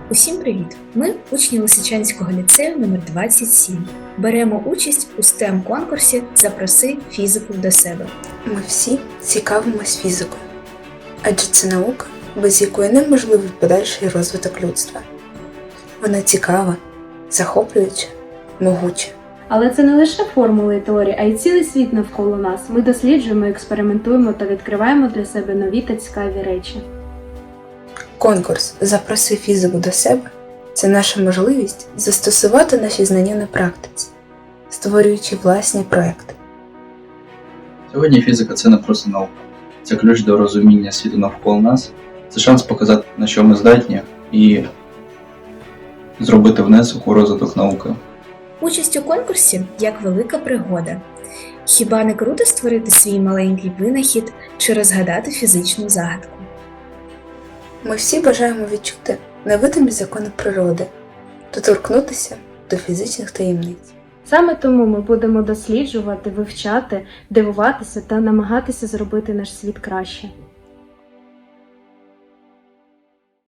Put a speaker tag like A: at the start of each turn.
A: Усім привіт! Ми учні Лисичанського ліцею номер 27. Беремо участь у STEM-конкурсі «Запроси фізику до себе».
B: Ми всі цікавимось фізикою, адже це наука, без якої неможливий подальший розвиток людства. Вона цікава, захоплююча, могуча.
C: Але це не лише формули і теорії, а й цілий світ навколо нас. Ми досліджуємо, експериментуємо та відкриваємо для себе нові та цікаві речі.
B: Конкурс «Запроси фізику до себе» – це наша можливість застосувати наші знання на практиці, створюючи власні проекти.
D: Сьогодні фізика – це не просто наука. Це ключ до розуміння світу навколо нас. Це шанс показати, на що ми здатні, і зробити внесок у розвиток науки.
A: Участь у конкурсі – як велика пригода. Хіба не круто створити свій маленький винахід чи розгадати фізичну загадку?
B: Ми всі бажаємо відчути невидимі закони природи, доторкнутися до фізичних таємниць.
C: Саме тому ми будемо досліджувати, вивчати, дивуватися та намагатися зробити наш світ краще.